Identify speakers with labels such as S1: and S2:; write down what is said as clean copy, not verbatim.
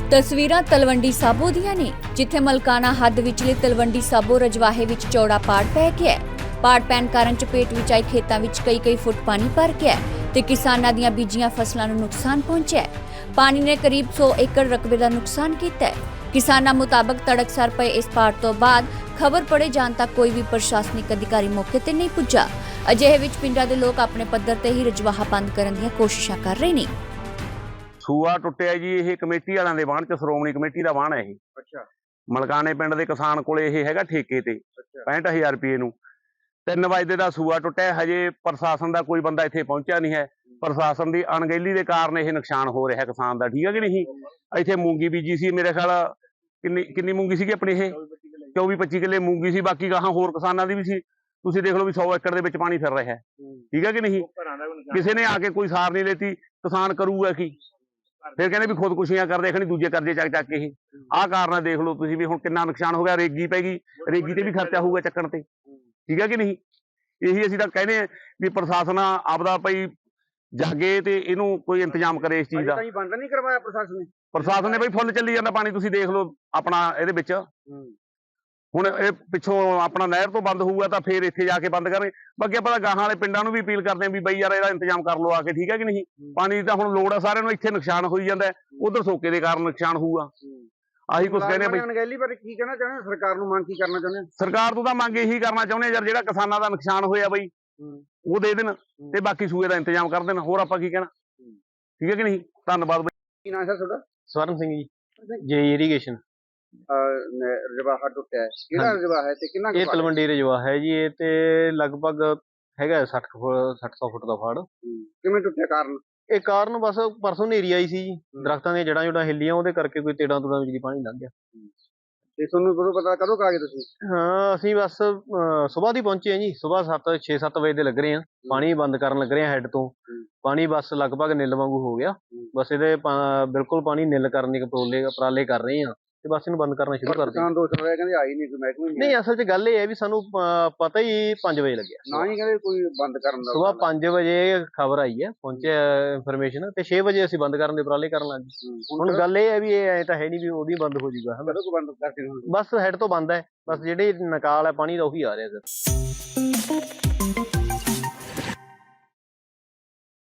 S1: ਤਸਵੀਰਾਂ ਤਲਵੰਡੀ ਸਾਬੋ ਦੀਆਂ ਨੇ, ਜਿੱਥੇ ਮਲਕਾਨਾ ਹੱਦ ਵਿਚਲੇ ਤਲਵੰਡੀ ਸਾਬੋ ਰਜਵਾਹੇ ਵਿੱਚ ਚੌੜਾ ਪਾੜ ਪੈ ਗਿਆ ਹੈ। ਪਾੜ ਪੈਣ ਕਾਰਨ ਚਪੇਟ ਵਿੱਚ ਆਏ ਖੇਤਾਂ ਵਿੱਚ ਕਈ ਫੁੱਟ ਪਾਣੀ ਭਰ ਗਿਆ ਹੈ ਤੇ ਕਿਸਾਨਾਂ ਦੀਆਂ ਬੀਜੀਆਂ ਫਸਲਾਂ ਨੂੰ ਨੁਕਸਾਨ ਪਹੁੰਚਿਆ ਹੈ। ਪਾਣੀ ਨੇ ਕਰੀਬ 100 ਏਕੜ ਰਕਬੇ ਦਾ ਨੁਕਸਾਨ ਕੀਤਾ ਹੈ। ਕਿਸਾਨਾਂ ਮੁਤਾਬਕ ਤੜਕਸਾਰ ਪਏ ਇਸ ਪਾੜ ਤੋਂ ਬਾਅਦ ਖਬਰ ਪੜੇ ਜਾਣ ਤੱਕ ਕੋਈ ਵੀ ਪ੍ਰਸ਼ਾਸਨਿਕ ਅਧਿਕਾਰੀ ਮੌਕੇ ਤੇ ਨਹੀਂ ਪੁੱਜਾ। ਅਜਿਹੇ ਵਿੱਚ ਪਿੰਡਾਂ ਦੇ ਲੋਕ ਆਪਣੇ ਪੱਧਰ ਤੇ ਹੀ ਰਜਵਾਹਾ ਬੰਦ ਕਰਨ ਦੀਆਂ ਕੋਸ਼ਿਸ਼ਾਂ ਕਰ ਰਹੇ ਨੇ।
S2: ਸੂਆ ਟੁੱਟਿਆ ਜੀ, ਇਹ ਕਮੇਟੀ ਵਾਲਿਆਂ ਦੇ ਵਾਹਣ ਚ, ਸ਼੍ਰੋਮਣੀ ਕਮੇਟੀ ਦਾ ਵਾਹਣ ਹੈ ਇਹ।
S3: ਅੱਛਾ।
S2: ਮਲਕਾਨੇ ਪਿੰਡ ਦੇ ਕਿਸਾਨ ਕੋਲੇ ਇਹ ਹੈਗਾ ਠੇਕੇ ਤੇ 65000 ਰੁਪਏ ਨੂੰ। 3 ਵਜੇ ਦਾ ਸੂਆ ਟੁੱਟਿਆ, ਹਜੇ ਪ੍ਰਸ਼ਾਸਨ ਦਾ ਕੋਈ ਬੰਦਾ ਇੱਥੇ ਪਹੁੰਚਿਆ ਨਹੀਂ ਹੈ। ਪ੍ਰਸ਼ਾਸਨ ਦੀ ਅਣਗਹਿਲੀ ਦੇ ਕਾਰਨ ਇਹ ਨੁਕਸਾਨ ਹੋ ਰਿਹਾ ਕਿਸਾਨ ਦਾ, ਠੀਕ ਹੈ ਕਿ ਨਹੀਂ। ਇੱਥੇ ਮੂੰਗੀ ਬੀਜੀ ਸੀ, ਮੇਰੇ ਖਿਆਲ ਕਿੰਨੀ ਮੂੰਗੀ ਸੀਗੀ ਆਪਣੀ, ਇਹ 24-25 ਕਿੱਲੇ ਮੂੰਗੀ ਸੀ। ਬਾਕੀ ਗਾਹਾਂ ਹੋਰ ਕਿਸਾਨਾਂ ਦੀ ਵੀ ਸੀ। ਤੁਸੀਂ ਦੇਖ ਲਓ ਵੀ 100 ਏਕੜ ਦੇ ਵਿੱਚ ਪਾਣੀ ਫਿਰ ਰਿਹਾ ਹੈ, ਠੀਕ ਹੈ ਕਿ ਨਹੀਂ। ਕਿਸੇ ਨੇ ਆ ਕੇ ਕੋਈ ਸਾਰ ਨਹੀਂ ਲੈਤੀ, ਕਿਸਾਨ ਕਰੂਗਾ ਕੀ ਫਿਰ? ਕਹਿੰਦੇ ਵੀ ਖੁਦਕੁਸ਼ੀਆਂ ਕਰਦੇ, ਖਣੀ ਦੂਜੇ ਕਰਜ਼ੇ ਚੱਕ ਕੇ ਇਹ ਆਹ ਕਾਰਨ ਦੇਖ ਲਓ ਤੁਸੀਂ ਵੀ ਹੁਣ ਕਿੰਨਾ ਨੁਕਸਾਨ ਹੋ ਗਿਆ। ਰੇਗੀ ਪੈ ਗਈ, ਰੇਗੀ ਤੇ ਵੀ ਖਰਚਾ ਹੋਊਗਾ ਚੱਕਣ ਤੇ, ਠੀਕ ਹੈ ਕਿ ਨਹੀਂ। ਇਹੀ ਅਸੀਂ ਤਾਂ ਕਹਿੰਦੇ ਵੀ ਪ੍ਰਸ਼ਾਸਨ ਆਪਦਾ ਭਾਈ ਜਾਗੇ ਤੇ ਇਹਨੂੰ ਕੋਈ ਇੰਤਜ਼ਾਮ ਕਰੇ ਇਸ ਚੀਜ਼ ਦਾ।
S3: ਬੰਦ ਨਹੀਂ ਕਰਵਾਇਆ ਪ੍ਰਸ਼ਾਸਨ ਨੇ?
S2: ਪ੍ਰਸ਼ਾਸਨ ਨੇ ਬਈ ਫੁੱਲ ਚੱਲੀ ਜਾਂਦਾ ਪਾਣੀ, ਤੁਸੀਂ ਦੇਖ ਲਓ ਆਪਣਾ ਇਹਦੇ ਵਿੱਚ। ਹੁਣ ਇਹ ਪਿੱਛੋਂ ਆਪਣਾ ਨਹਿਰ ਤੋਂ ਬੰਦ ਹੋਊਗਾ ਤਾਂ ਫੇਰ ਇੱਥੇ ਜਾ ਕੇ ਬੰਦ ਕਰਨਗੇ। ਬਾਕੀ ਆਪਾਂ ਤਾਂ ਗਾਹਾਂ ਵਾਲੇ ਪਿੰਡਾਂ ਨੂੰ ਵੀ ਅਪੀਲ ਕਰਦੇ ਹਾਂ ਵੀ ਬਈ ਯਾਰ ਇਹਦਾ ਇੰਤਜ਼ਾਮ ਕਰ ਲਓ ਆ ਕੇ, ਠੀਕ ਹੈ ਕਿ ਨਹੀਂ। ਪਾਣੀ ਦੀ ਤਾਂ ਹੁਣ ਲੋੜ ਆ ਸਾਰਿਆਂ ਨੂੰ, ਇੱਥੇ ਨੁਕਸਾਨ ਹੋਈ ਜਾਂਦਾ, ਉਧਰ ਸੋਕੇ ਦੇ ਕਾਰਨ ਨੁਕਸਾਨ ਹੋਊਗਾ। ਆਹੀ ਕੁਝ ਕਹਿੰਦੇ ਬਈ।
S3: ਅਣਗਹਿਲੀ ਬਾਰੇ ਕੀ ਕਹਿਣਾ ਚਾਹੁੰਦੇ, ਸਰਕਾਰ ਨੂੰ ਮੰਗ ਕੀ ਕਰਨਾ ਚਾਹੁੰਦੇ?
S2: ਸਰਕਾਰ ਤੋਂ ਤਾਂ ਮੰਗ ਇਹੀ ਕਰਨਾ ਚਾਹੁੰਦੇ ਯਾਰ, ਜਿਹੜਾ ਕਿਸਾਨਾਂ ਦਾ ਨੁਕਸਾਨ ਹੋਇਆ ਬਈ ਉਹ ਦੇ ਦੇਣ ਤੇ ਬਾਕੀ ਸੂਏ ਦਾ ਇੰਤਜ਼ਾਮ ਕਰ ਦੇਣ। ਹੋਰ ਆਪਾਂ ਕੀ ਕਹਿਣਾ, ਠੀਕ ਹੈ ਕਿ ਨਹੀਂ। ਧੰਨਵਾਦ ਬਈ।
S3: ਕੀ ਨਾਮ ਹੈ ਤੁਹਾਡਾ?
S4: ਸਵਰਨ ਸਿੰਘ ਜੀ, ਜੇ ਇਰੀਗੇਸ਼ਨ।
S3: ਰਜਵਾਹਾ ਟੁੱਟਿਆ ਹੈ, ਕਿਹੜਾ ਰਜਵਾਹਾ ਹੈ ਤੇ ਕਿੰਨਾ?
S4: ਇਹ ਤਲਵੰਡੀ ਰਜਵਾਹਾ ਹੈ ਜੀ। ਇਹ ਤੇ ਲਗਭਗ ਹੈਗਾ 60-100 ਫੁੱਟ ਦਾ ਫਾੜ।
S3: ਕਿਵੇਂ ਟੁੱਟਿਆ, ਕਾਰਨ?
S4: ਇਹ ਕਾਰਨ ਬਸ ਪਰਸੋਂ ਹਨੇਰੀ ਆਈ ਸੀ ਜੀ, ਦਰਖਤਾਂ ਦੀਆਂ ਜੜਾਂ ਹਿੱਲੀਆਂ, ਉਹਦੇ ਕਰਕੇ ਕੋਈ ਤੇੜਾਂ ਤੁੜਾਂ ਵਿੱਚ ਦੀ ਪਾਣੀ ਲੰਘ ਗਿਆ।
S3: ਤੇ ਤੁਹਾਨੂੰ ਕਦੋਂ ਪਤਾ, ਕਦੋਂ ਆ ਗਏ ਤੁਸੀਂ?
S4: ਹਾਂ, ਅਸੀਂ ਬਸ ਸੁਬਾਹ ਦੀ ਪਹੁੰਚੇ ਹਾਂ ਜੀ। ਸੁਬਾਹ 6-7 ਵਜੇ ਦੇ ਲੱਗ ਰਹੇ ਹਾਂ, ਪਾਣੀ ਬੰਦ ਕਰਨ ਲੱਗ ਰਹੇ ਹਾਂ ਹੈੱਡ ਤੋਂ। ਪਾਣੀ ਬਸ ਲਗਭਗ ਨਿੱਲ ਵਾਂਗੂ ਹੋ ਗਿਆ। ਬਸ ਇਹਦੇ ਬਿਲਕੁਲ ਪਾਣੀ ਨਿੱਲ ਕਰਨ ਦੇ ਉਪਰਾਲੇ ਕਰ ਰਹੇ ਹਾਂ ਤੇ ਬਸ ਇਹਨੂੰ ਬੰਦ ਕਰਨਾ ਸ਼ੁਰੂ ਕਰ ਦਿੰਦੇ।
S3: ਦੋਸ਼ ਰਿਹਾ ਕਹਿੰਦੇ ਆਈ ਨਹੀਂ ਕੋਈ ਮਹਿਕਮੇ
S4: ਨਹੀਂ, ਅਸਲ 'ਚ ਗੱਲ ਇਹ ਹੈ ਵੀ ਸਾਨੂੰ ਪਤਾ ਹੀ 5 ਵਜੇ ਲੱਗਿਆ।
S3: ਨਾ ਹੀ ਕਹਿੰਦੇ ਕੋਈ ਬੰਦ ਕਰਨ ਦਾ।
S4: ਸੁਬਾਹ 5 ਵਜੇ ਖਬਰ ਆਈ ਹੈ, ਪਹੁੰਚਿਆ ਇਨਫੋਰਮੇਸ਼ਨ, ਤੇ 6 ਵਜੇ ਅਸੀਂ ਬੰਦ ਕਰਨ ਦੇ ਉਪਰਾਲੇ ਕਰਨ ਲੱਗ ਗਏ। ਹੁਣ ਗੱਲ ਇਹ ਹੈ ਵੀ ਇਹ ਐ ਤਾਂ ਹੈ ਨਹੀਂ ਵੀ ਉਹਦੀ ਬੰਦ ਹੋ ਜਾਊਗਾ।
S3: ਬੰਦ ਕਰਕੇ
S4: ਬਸ ਹੈਡ ਤੋਂ ਬੰਦ ਹੈ, ਬਸ ਜਿਹੜੇ ਨਕਾਲ ਹੈ ਪਾਣੀ ਦਾ ਉਹੀ ਆ ਰਿਹਾ ਸਰ।